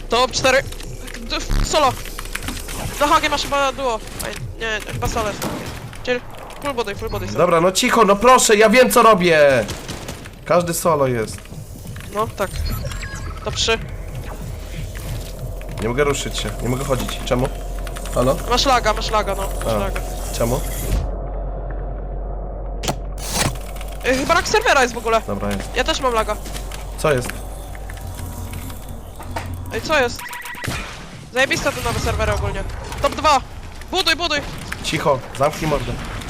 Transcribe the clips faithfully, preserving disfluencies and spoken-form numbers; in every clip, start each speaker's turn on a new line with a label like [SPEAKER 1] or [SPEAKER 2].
[SPEAKER 1] To cztery. Solo. Na H G masz chyba duo. Aj, nie, chyba solo jest. Czyli full body, full body. Solo.
[SPEAKER 2] Dobra, no cicho, no proszę, ja wiem co robię! Każdy solo jest.
[SPEAKER 1] No, tak. To trzy.
[SPEAKER 2] Nie mogę ruszyć się, nie mogę chodzić. Czemu? Halo?
[SPEAKER 1] Masz laga, masz laga, no. Masz
[SPEAKER 2] A.
[SPEAKER 1] laga.
[SPEAKER 2] Czemu?
[SPEAKER 1] Y, chyba lag serwera jest w ogóle.
[SPEAKER 2] Dobra, jest.
[SPEAKER 1] Ja też mam laga.
[SPEAKER 2] Co jest?
[SPEAKER 1] Ej, co jest? Zajebiste te nowe serwery ogólnie. Top dwa. Buduj, buduj.
[SPEAKER 2] Cicho, zamknij mordę.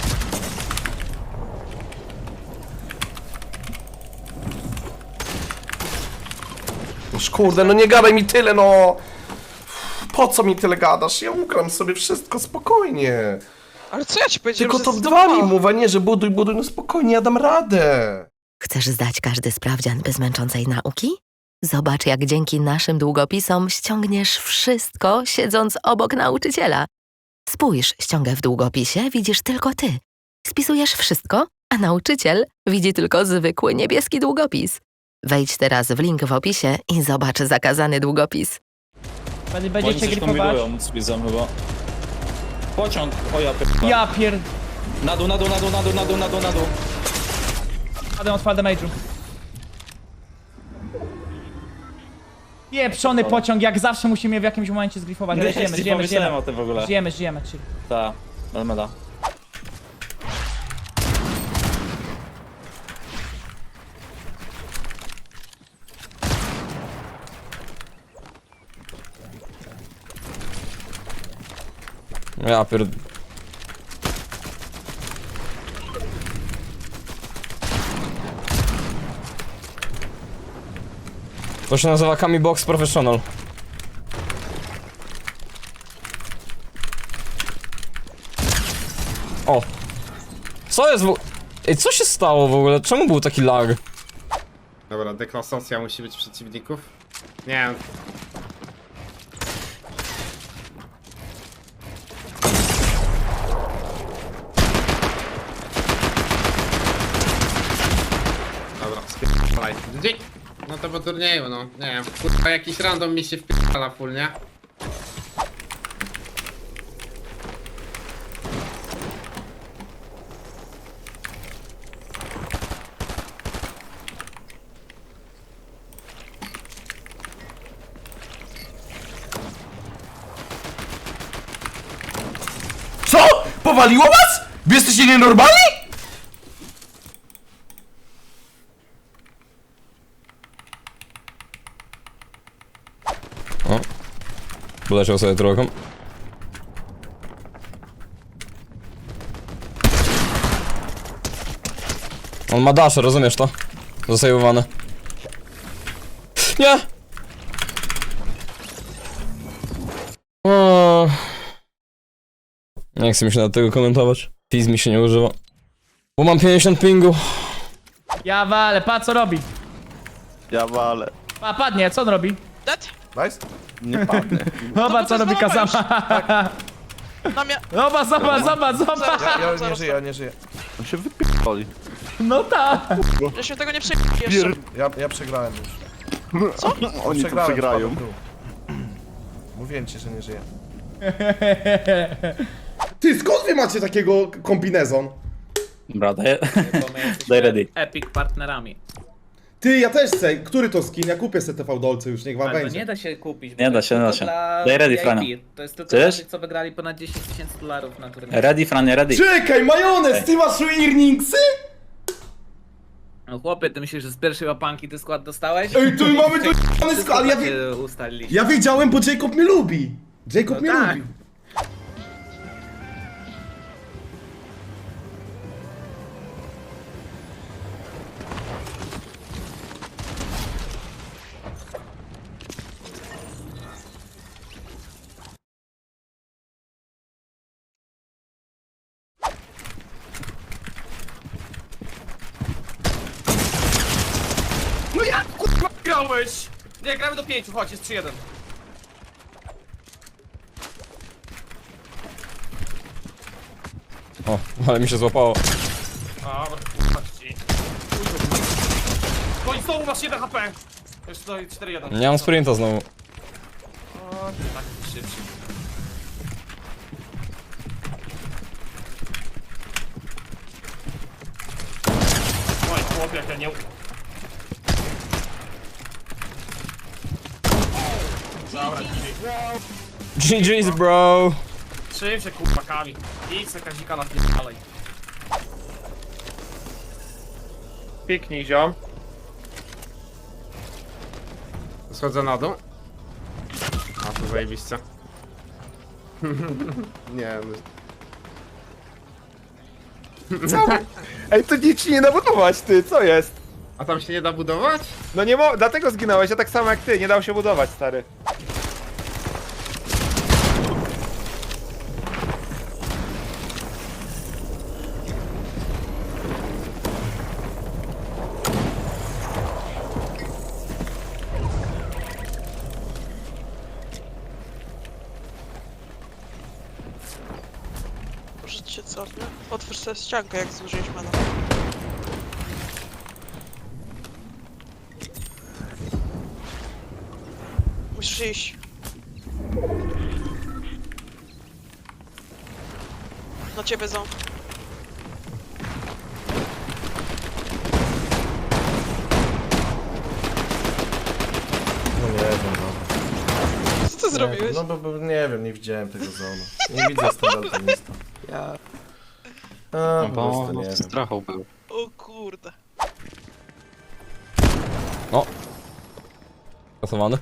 [SPEAKER 2] Noż kurde, no nie gadaj mi tyle, no! Po co mi tyle gadasz? Ja ugram sobie wszystko spokojnie.
[SPEAKER 1] Ale co ja ci powiedziałem,
[SPEAKER 2] Tylko
[SPEAKER 1] że
[SPEAKER 2] to
[SPEAKER 1] jest
[SPEAKER 2] dwa
[SPEAKER 1] top
[SPEAKER 2] mi mów, a nie, że buduj, buduj, no spokojnie, ja dam radę.
[SPEAKER 3] Chcesz zdać każdy sprawdzian bez męczącej nauki? Zobacz, jak dzięki naszym długopisom ściągniesz wszystko, siedząc obok nauczyciela. Spójrz, ściągę w długopisie widzisz tylko ty. Spisujesz wszystko, a nauczyciel widzi tylko zwykły niebieski długopis. Wejdź teraz w link w opisie i zobacz zakazany długopis.
[SPEAKER 4] Będzie,
[SPEAKER 5] Oni
[SPEAKER 4] będziecie
[SPEAKER 5] coś
[SPEAKER 4] gripować?
[SPEAKER 5] kombinują, widzę chyba. Pociąg, o ja p***a.
[SPEAKER 4] Ja pier...
[SPEAKER 5] Na dół, na dół, na dół, na dół, na dół, na dół, na dół.
[SPEAKER 4] Jadę od fall damage'u. Pieprzony pociąg, jak zawsze musimy je w jakimś momencie zgrifować, ale żyjemy,
[SPEAKER 5] Nie
[SPEAKER 4] żyjemy,
[SPEAKER 5] pomyślałem
[SPEAKER 4] żyjemy.
[SPEAKER 5] o tym w ogóle.
[SPEAKER 4] Żyjemy, żyjemy, chill.
[SPEAKER 5] Ta, Almeda.
[SPEAKER 6] Ja pierd... To się nazywa Kami Box Professional. O! Co jest w... Ej, co się stało w ogóle? Czemu był taki lag?
[SPEAKER 7] Dobra, deklasacja musi być przeciwników. Nie wiem. Dobra, spierdalaj. Gdzie? No to po turnieju, no. Nie wiem. Kurwa, jakiś random mi się wpierdala full, nie?
[SPEAKER 2] Co? Powaliło was? Wy jesteście nienormalni?
[SPEAKER 6] O. Poleciał sobie trochę. On ma dasze, rozumiesz to? Zasejwowane. Nie! O. Nie chcę mi się na tego komentować. Fizz mi się nie używa. Bo mam pięćdziesiąt pingu.
[SPEAKER 4] Ja walę, pa co robi?
[SPEAKER 8] Ja walę.
[SPEAKER 4] Pa, padnie, co on robi?
[SPEAKER 1] Dead?
[SPEAKER 2] Nice.
[SPEAKER 8] Nie padnę.
[SPEAKER 4] Zobacz
[SPEAKER 1] to
[SPEAKER 4] co
[SPEAKER 1] jest
[SPEAKER 4] robi
[SPEAKER 1] nowe
[SPEAKER 4] Kazama.
[SPEAKER 1] Na mnie.
[SPEAKER 4] Zobacz, zobacz, zobacz, zobacz.
[SPEAKER 2] Ja, ja nie żyję, ja nie żyję.
[SPEAKER 8] On się wypierdoli.
[SPEAKER 4] No tak.
[SPEAKER 1] Ja się tego nie przyjmuję jeszcze.
[SPEAKER 2] Ja, ja przegrałem już.
[SPEAKER 8] Oni tu
[SPEAKER 2] Przegrałem,
[SPEAKER 8] przegrają.
[SPEAKER 2] spadłem w dół. Mówiłem ci, że nie żyję.
[SPEAKER 9] Ty, skąd wy macie takiego kombinezon?
[SPEAKER 5] Dobra, daj, daj ready.
[SPEAKER 10] Epic partnerami.
[SPEAKER 9] Ty, ja też chcę. Który to skin? Ja kupię sobie T V Dolce już, niech wam
[SPEAKER 10] Ale to
[SPEAKER 9] będzie.
[SPEAKER 10] nie da się kupić. bo
[SPEAKER 5] Nie
[SPEAKER 10] to
[SPEAKER 5] da
[SPEAKER 10] jest
[SPEAKER 5] się, nie da
[SPEAKER 10] tylko
[SPEAKER 5] się.
[SPEAKER 10] dla
[SPEAKER 5] Daj ready,
[SPEAKER 10] V I P.
[SPEAKER 5] Frania.
[SPEAKER 10] To jest tylko dla
[SPEAKER 5] Chcesz?
[SPEAKER 10] tych, co wygrali ponad dziesięć tysięcy dolarów na turnieju.
[SPEAKER 5] Ready, Franie, ready.
[SPEAKER 9] Czekaj, majonez, ty masz earningsy?
[SPEAKER 10] No chłopie, ty myślisz, że z pierwszej łapanki ty skład dostałeś?
[SPEAKER 9] Ej, tu mamy tu jebany
[SPEAKER 10] Wszystko
[SPEAKER 9] skład, ale ja, wi
[SPEAKER 10] takie ustaliliśmy.
[SPEAKER 9] ja wiedziałem, bo Jacob mnie lubi. Jacob
[SPEAKER 10] No
[SPEAKER 9] mnie
[SPEAKER 10] tak.
[SPEAKER 9] lubi.
[SPEAKER 1] No jak kurwa grałeś? Nie, gramy do pięciu, chodź, jest trzy jeden.
[SPEAKER 6] O, ale mi się złapało.
[SPEAKER 1] Dobra, kurwa ci. Koń znowu masz jeden H P. Już to cztery jeden.
[SPEAKER 6] Nie mam sprinta znowu.
[SPEAKER 10] O, tak szybciej.
[SPEAKER 5] Oj, chłopie, jak ja nie... Dobra,
[SPEAKER 6] G G's bro!
[SPEAKER 5] trzym się kurwa kami. Idź se kazika na dalej. Piknij, ziom.
[SPEAKER 7] Schodzę na dół. A, to zajebiście. Nie, no.
[SPEAKER 11] Ej, to nic ci nie da budować, ty, co jest?
[SPEAKER 7] A tam się nie da budować?
[SPEAKER 11] No nie mo... dlatego zginąłeś, ja tak samo jak ty, nie dał się budować, stary.
[SPEAKER 1] Może ci się cofnę? Otwórz sobie ściankę, jak zużyjesz mana. Musisz iść. Na ciebie ząb.
[SPEAKER 2] No nie wiem, no.
[SPEAKER 1] Co ty zrobiłeś?
[SPEAKER 2] No bo, bo nie wiem, nie widziałem tego zonu. Nie widzę standardynista. Ja... A, po prostu nie wiem.
[SPEAKER 8] Strachą był.
[SPEAKER 1] O kurde.
[SPEAKER 6] Pasowany.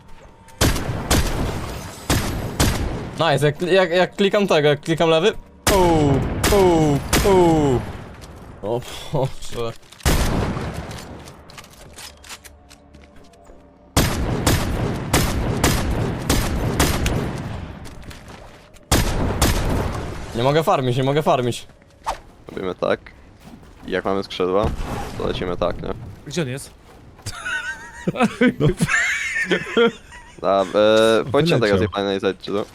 [SPEAKER 6] Nice, jak, jak, jak klikam tego, jak klikam lewy. Uuu, uuu, uuu. O Boże. Nie mogę farmić, nie mogę farmić.
[SPEAKER 8] Robimy tak. I jak mamy skrzydła, to lecimy tak, nie?
[SPEAKER 4] Gdzie on jest?
[SPEAKER 8] Da, e, Pójdźcie tego zjebania i zejdźcie, no.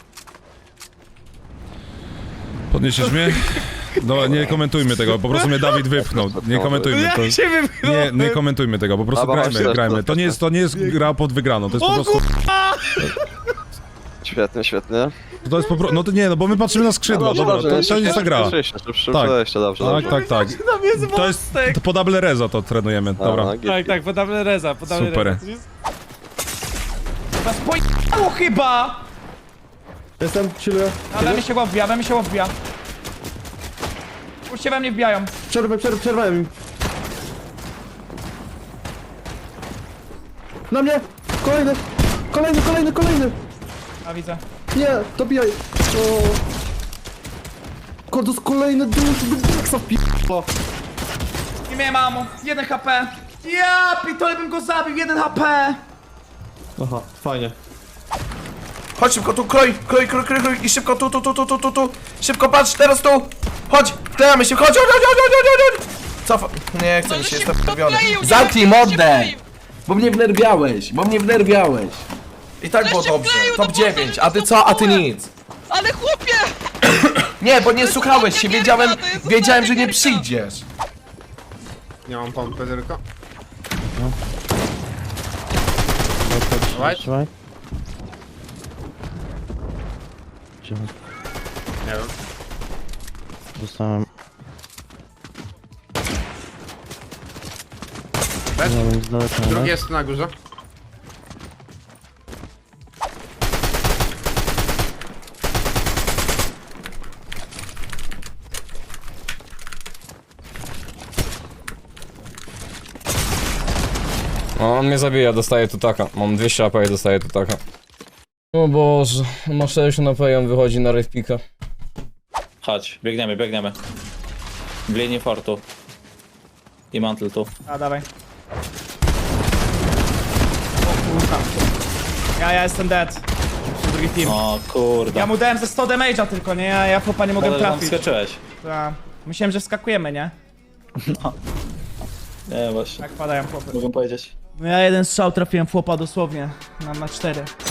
[SPEAKER 12] Podniesiesz mnie? No nie komentujmy tego, po prostu mnie Dawid wypchnął. Nie komentujmy to. Nie, nie komentujmy tego, po prostu
[SPEAKER 8] Dobra,
[SPEAKER 12] grajmy,
[SPEAKER 8] myślę,
[SPEAKER 12] grajmy.
[SPEAKER 8] że-
[SPEAKER 12] To nie jest, to nie jest gra pod wygraną, to jest po prostu.
[SPEAKER 8] Świetnie, świetnie.
[SPEAKER 12] To jest po prostu. No to nie, no bo my patrzymy na skrzydła, dobra, to, to jest ta gra. Tak.
[SPEAKER 8] Jeszcze dobrze,
[SPEAKER 12] Tak,
[SPEAKER 8] dobrze.
[SPEAKER 12] tak, tak. To jest. To po double reza to trenujemy, dobra.
[SPEAKER 8] Aha, git,
[SPEAKER 4] Tak, podamy reza, podamy
[SPEAKER 12] Super.
[SPEAKER 4] reza. Was pojechało chyba!
[SPEAKER 9] Jestem, chilluję.
[SPEAKER 4] Ale mi się go wbija, ale mi się go wbija. Już się we mnie wbijają.
[SPEAKER 9] Przerwę, przerwę, przerwałem im. Na mnie! Kolejny! Kolejny, kolejny, kolejny!
[SPEAKER 4] A widzę.
[SPEAKER 9] Nie, dobijaj! O. Kodos kolejny dusz, Biksa wpi***a.
[SPEAKER 4] Nie miałem mamu. jeden H P. Ja pitole bym go zabił, jeden H P.
[SPEAKER 9] Aha, fajnie.
[SPEAKER 2] Chodź szybko tu, kroj, kroj, kroj, kroj, kroj i szybko tu, tu, tu, tu, tu, tu, tu. Szybko patrz, teraz tu. Chodź, wklejamy się, chodź, chodź, chodź, chodź, chodź, chodź. Cofa. Nie chcę mi się, jestem wnerwiony.
[SPEAKER 1] Zamknij mordę!
[SPEAKER 2] Bo mnie wnerwiałeś, bo mnie wnerwiałeś. I tak było
[SPEAKER 1] się
[SPEAKER 2] dobrze,
[SPEAKER 1] wkleił,
[SPEAKER 2] top
[SPEAKER 1] no
[SPEAKER 2] dziewięć,
[SPEAKER 1] Boże,
[SPEAKER 2] a ty co, a ty nic.
[SPEAKER 1] Ale chłopie!
[SPEAKER 2] Nie, bo nie
[SPEAKER 1] jest
[SPEAKER 2] słuchałeś
[SPEAKER 1] ostatnia
[SPEAKER 2] się,
[SPEAKER 1] gierka,
[SPEAKER 2] wiedziałem,
[SPEAKER 1] to jest
[SPEAKER 2] wiedziałem, że
[SPEAKER 1] ostatnia
[SPEAKER 2] nie
[SPEAKER 1] gierka.
[SPEAKER 2] przyjdziesz.
[SPEAKER 7] Nie mam pompy tylko.
[SPEAKER 8] Trzymaj.
[SPEAKER 7] Nie wiem.
[SPEAKER 8] Dostałem.
[SPEAKER 7] Bez?
[SPEAKER 8] Nie wiem, z daleka,
[SPEAKER 7] Drugi jest tu na górze.
[SPEAKER 6] O, on mnie zabija, dostaje tu taka. Mam dwieście A P i dostaję tu taka. O Boże, ma sześćdziesiąt A P i on wychodzi na rave pika.
[SPEAKER 5] Chodź, biegniemy, biegniemy. W linii fortu. I mantle tu.
[SPEAKER 4] A dawaj. O kurwa. Ja, ja jestem dead. Drugi team.
[SPEAKER 5] O kurde.
[SPEAKER 4] Ja mu dałem ze sto damage'a tylko, nie? Ja, ja chłopa nie mogłem
[SPEAKER 5] Ale tam
[SPEAKER 4] trafić.
[SPEAKER 5] skoczyłeś.
[SPEAKER 4] Ta. Myślałem, że wskakujemy, nie?
[SPEAKER 5] Nie, właśnie.
[SPEAKER 4] Tak padają chłopy.
[SPEAKER 5] Mogę powiedzieć.
[SPEAKER 4] No ja jeden strzał trafiłem w chłopa dosłownie. Na, na cztery.